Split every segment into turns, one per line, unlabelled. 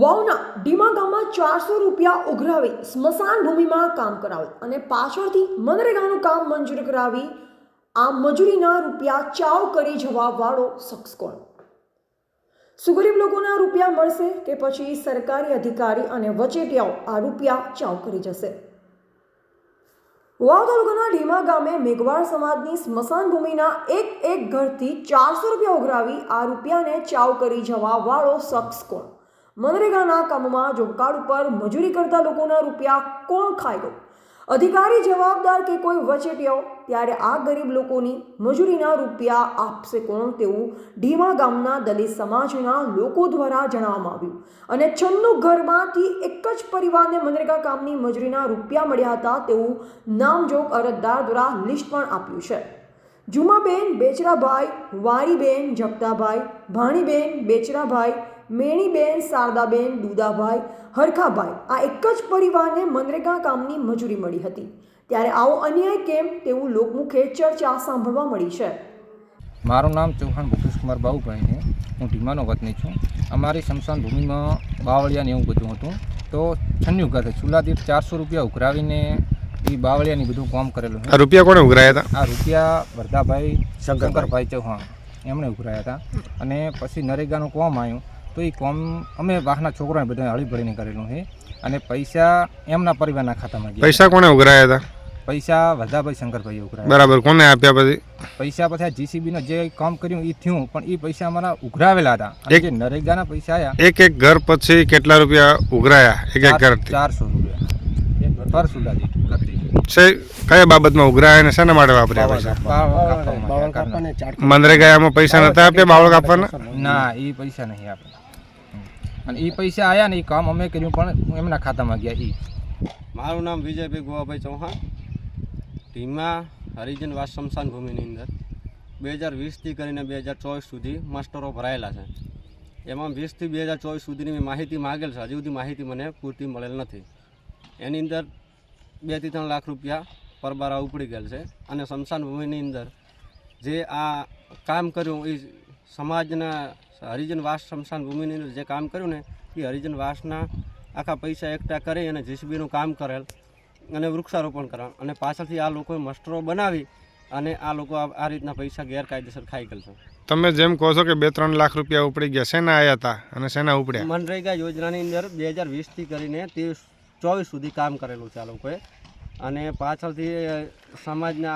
વાવના ડીમા ગામમાં 400 રૂપિયા ઉઘરાવી સ્મશાન ભૂમિમાં કામ કરાવેલ અને પાછળથી મનરેગાનું કામ મંજૂર કરાવી આ મજૂરીના રૂપિયા ચાવ કરી જવા વાળો શખ્સ કોણ? શું ગરીબ લોકોના રૂપિયા મળશે કે પછી સરકારી અધિકારી અને વચેટિયાઓ આ રૂપિયા ચાવ કરી જશે? વાવ તાલુકાના ડીમા ગામે મેઘવાળ સમાજની સ્મશાન ભૂમિના એક ઘરથી 400 રૂપિયા ઉઘરાવી આ રૂપિયાને ચાવ કરી જવા વાળો શખ્સ કોણ? મનરેગાના કામમાં જોબકાર્ડ ઉપર મજૂરી કરતા લોકોના રૂપિયા કોણ ખાઈ ગયું? અધિકારી જવાબદાર કે કોઈ વચેટિયાઓ? ત્યારે આ ગરીબ લોકોની મજૂરીના રૂપિયા આપશે કોણ તેવું ડીમા ગામના દલિત સમાજના લોકો દ્વારા જણાવવામાં આવ્યું અને 96 ઘરમાંથી એક જ પરિવારને મનરેગા કામની મજૂરીના રૂપિયા મળ્યા હતા તેવું નામજોગ અરજદાર દ્વારા લિસ્ટ પણ આપ્યું છે. જુમાબેન બેચરાભાઈ, વારીબેન જગતાભાઈ, ભાણીબેન બેચરાભાઈ, મેણીબેન શારદાબેન, દુદાભાઈ, હરખાભાઈ આ એક જ પરિવારને મનરેગા કામની મજૂરી મળી હતી. ત્યારે આવો અન્યાય કેમ તેવું લોકમુખે ચર્ચા સાંભળવા મળી છે.
મારું નામ ચૌહાણ ભૂપેશકુમાર બાબુભાઈ છે. હું ઢીમાનો વતની છું. અમારી સ્મશાન ભૂમિમાં બાવળિયાને એવું બધું હતું તો 96 ઘર ચૂલા દીઠ 400 રૂપિયા ઉઘરાવીને એ બાવળિયાની બધું કામ કરેલું છે.
આ રૂપિયા કોણે ઉઘરાયા હતા?
આ રૂપિયા વરદાભાઈ શંકરભાઈ ચૌહાણ એમણે ઉઘરાયા હતા. અને પછી નરેગાનું કામ આવ્યું તો એ કામ અમે વાહના છોકરાને બધા હળીભળીને કરેલું છે અને પૈસા એમના પરિવારના ખાતામાં ગયા.
પૈસા કોણે ઉઘરાયા હતા?
પૈસા વરદાભાઈ શંકરભાઈએ ઉઘરાયા.
બરાબર. કોને આપ્યા પછી?
પૈસા પછી આ જીસીબીનો જે કામ કર્યું એ થયું પણ એ પૈસા અમારા ઉઘરાવેલા હતા. અને જે નરેગાના પૈસા આવ્યા
એક ઘર પછી કેટલા રૂપિયા ઉઘરાયા? એક ઘર
400 રૂપિયા પર સુધા
કયા બાબતમાં ઉઘરાયા અને શેના માટે વાપર્યા પૈસા? મનરેગામાં પૈસા નતા આપ્યા બાવળ કાપવાના?
ના, એ પૈસા નહીં આપ્યા. અને એ પૈસા આવ્યા ને એ કામ અમે કર્યું પણ એમના ખાતામાં ગયા.
મારું નામ વિજયભાઈ ગોવાભાઈ ચૌહાણ. ઢીમા હરિજન વાસ સ્મશાન ભૂમિની અંદર 2020થી કરીને 2024 સુધી માસ્ટરો ભરાયેલા છે. એમાં 20થી 2024 સુધીની મેં માહિતી માગેલ છે. હજી સુધી માહિતી મને પૂરતી મળેલ નથી. એની અંદર 2 થી 3 લાખ રૂપિયા પરબારા ઉપડી ગયેલ છે. અને સ્મશાન ભૂમિની અંદર જે આ કામ કર્યું એ સમાજના હરિજન વાસ સ્મશાન ભૂમિની અંદર જે કામ કર્યું ને એ હરિજન વાસના આખા પૈસા એકઠા કરી અને જીસીબીનું કામ કરેલ અને વૃક્ષારોપણ કરેલ અને પાછળથી આ લોકોએ મસ્ટરો બનાવી અને આ લોકો આ રીતના પૈસા ગેરકાયદેસર ખાઈ ગયેલ છે.
તમે જેમ કહો છો કે 2-3 લાખ રૂપિયા ઉપડી ગયા, શેના આવ્યા હતા અને શેના ઉપડ્યા?
મનરેગા યોજનાની અંદર 2020થી કરીને 24 સુધી કામ કરેલું છે આ લોકોએ અને પાછળથી સમાજના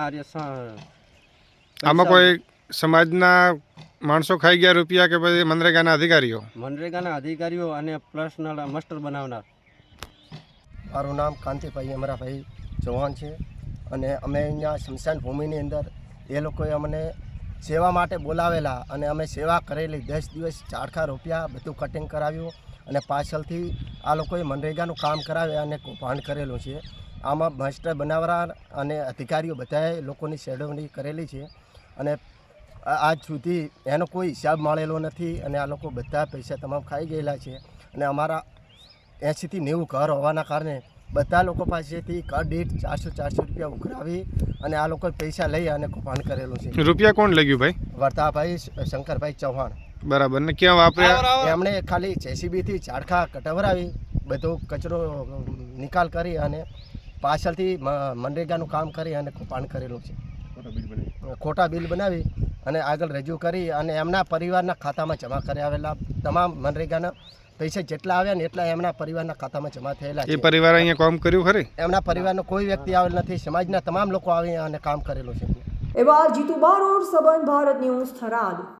આમાં કોઈ સમાજના માણસો ખાઈ ગયા રૂપિયા કે પછી મનરેગાના અધિકારીઓ?
મનરેગાના અધિકારીઓ અને પર્સનલ મસ્ટર બનાવનાર.
મારું નામ કાંતિભાઈ અમરાભાઈ ચૌહાણ છે અને અમે અહીંયા સ્મશાન ભૂમિની અંદર એ લોકોએ અમને સેવા માટે બોલાવેલા અને અમે સેવા કરેલી. 10 દિવસ ચારખા રૂપિયા બધું કટિંગ કરાવ્યું અને પાછળથી આ લોકોએ મનરેગાનું કામ કરાવે અને કૌભાંડ કરેલું છે. આમાં માસ્ટર બનાવનાર અને અધિકારીઓ બધાએ લોકોની છેડવણી કરેલી છે અને આજ સુધી એનો કોઈ હિસાબ મળેલો નથી અને આ લોકો બધા પૈસા તમામ ખાઈ ગયેલા છે. અને અમારા 80 થી 90 ઘર હોવાના કારણે બધા લોકો પાસેથી ઘર દીઠ 400 રૂપિયા ઉઘરાવી અને આ લોકોએ પૈસા લઈ અને કૌભાંડ કરેલું છે.
રૂપિયા કોણ લઈ ગયું ભાઈ?
વરદાભાઈ શંકરભાઈ ચૌહાણ.
બરાબર. ને ક્યાં વાપર્યા?
એમણે ખાલી જેસીબીથી ઝાડખા કટવરાવી બધો કચરો નિકાલ કરી અને પાછળથી મનરેગાનું કામ કરી અને કૌભાંડ કરેલું છે. ખોટા બિલ બનાવી અને આગળ રજૂ કરી અને એમના પરિવારના ખાતામાં જમા કરાવેલા તમામ મનરેગાના પૈસા જેટલા આવ્યા ને એટલા એમના પરિવારના ખાતામાં જમા થયેલા છે.
એ પરિવાર અહીંયા કામ કર્યું ખરી?
એમના પરિવારનો કોઈ વ્યક્તિ આવેલ નથી. સમાજના તમામ લોકો આવી અને કામ કરેલું છે.
એવા જીતુ બારોટ, સંબંધ ભારત ન્યૂઝ, થરાદ.